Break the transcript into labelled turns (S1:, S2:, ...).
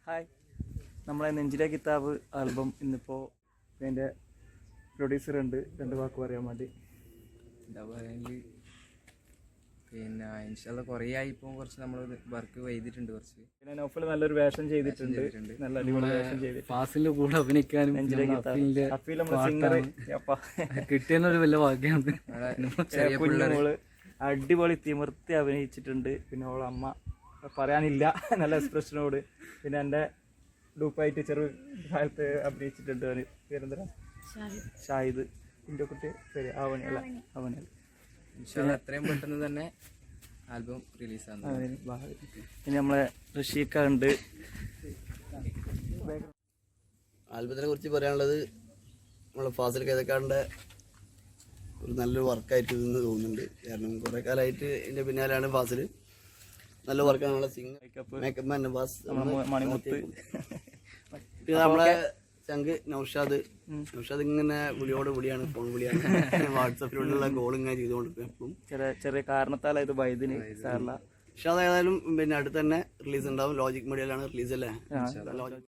S1: Hi, നമ്മളെ നെഞ്ചിലെ കിതാബ് ആൽബം ഇന്നിപ്പോൾ അതിൻ്റെ പ്രൊഡ്യൂസർ ഉണ്ട്, 2 വാക്ക് പറയാൻ വേണ്ടി.
S2: എന്താ പറയുക, പിന്നെ ഇൻഷാല്ലാ കുറേ ആയി ഇപ്പോൾ കുറച്ച് നമ്മൾ വർക്ക് ചെയ്തിട്ടുണ്ട്. കുറച്ച്
S1: പിന്നെ നൗഫൽ നല്ലൊരു വേഷം ചെയ്തിട്ടുണ്ട്, നല്ല അടിപൊളി വേഷം ചെയ്തിട്ടുണ്ട്.
S3: ഫാസിലിന്റെ കൂടെ അഭിനയിക്കാനും
S1: നെഞ്ചിലെ കിതാബ് അഫീൽ നമ്മുടെ സിംഗർ
S3: കിട്ടിയെന്നൊരു വലിയ ഭാഗ്യമാണ്.
S1: കുഞ്ഞുമോള് അടിപൊളി തിമിർത്തി അഭിനയിച്ചിട്ടുണ്ട്. പിന്നെ അവളെ അമ്മ പറയാനില്ല, നല്ല എക്സ്പ്രഷനോട്. പിന്നെ എൻ്റെ ഡൂപ്പായിട്ട് കാലത്ത് അഭിനയിച്ചിട്ടുണ്ട്. പേരെന്തരാ, ഷാഹിദ്. എൻ്റെ കുട്ടി പേര് അവനല്ല.
S2: ഇൻഷാല്ലാ എത്രയും പെട്ടെന്ന് തന്നെ ആൽബം റിലീസാണ്.
S1: പിന്നെ നമ്മളെ റഷീക്ക ഉണ്ട്.
S4: ആൽബത്തിനെ കുറിച്ച് പറയാനുള്ളത്, നമ്മളെ ഫാസിൽ കേതക്കാടിൻ്റെ ഒരു നല്ലൊരു വർക്കായിട്ട് ഇതെന്ന് തോന്നുന്നുണ്ട്. കാരണം കുറേ കാലമായിട്ട് എൻ്റെ പിന്നാലെയാണ് ഫാസിൽ. നല്ല വർക്കാണ്. നമ്മളെ singer makeup man Navas,
S1: Manimuthu,
S4: പിന്നെ നമ്മളെ ചങ്ക് നൗഷാദ് ഇങ്ങനെ വിളിയാണ്, ഫോൺ വിളിയാണ്. വാട്സപ്പിലുള്ള കോൾ ഇങ്ങനെ ചെയ്തുകൊണ്ടിരിക്കും എപ്പോഴും.
S1: ചെറിയ കാരണത്താലായത് വൈദ്യുതി സാറില്ല.
S4: പക്ഷെ അതായാലും പിന്നെ അടുത്ത് തന്നെ റിലീസ് ഉണ്ടാവും. ലോജിക് മീഡിയയിലാണ് റിലീസ് അല്ലേ.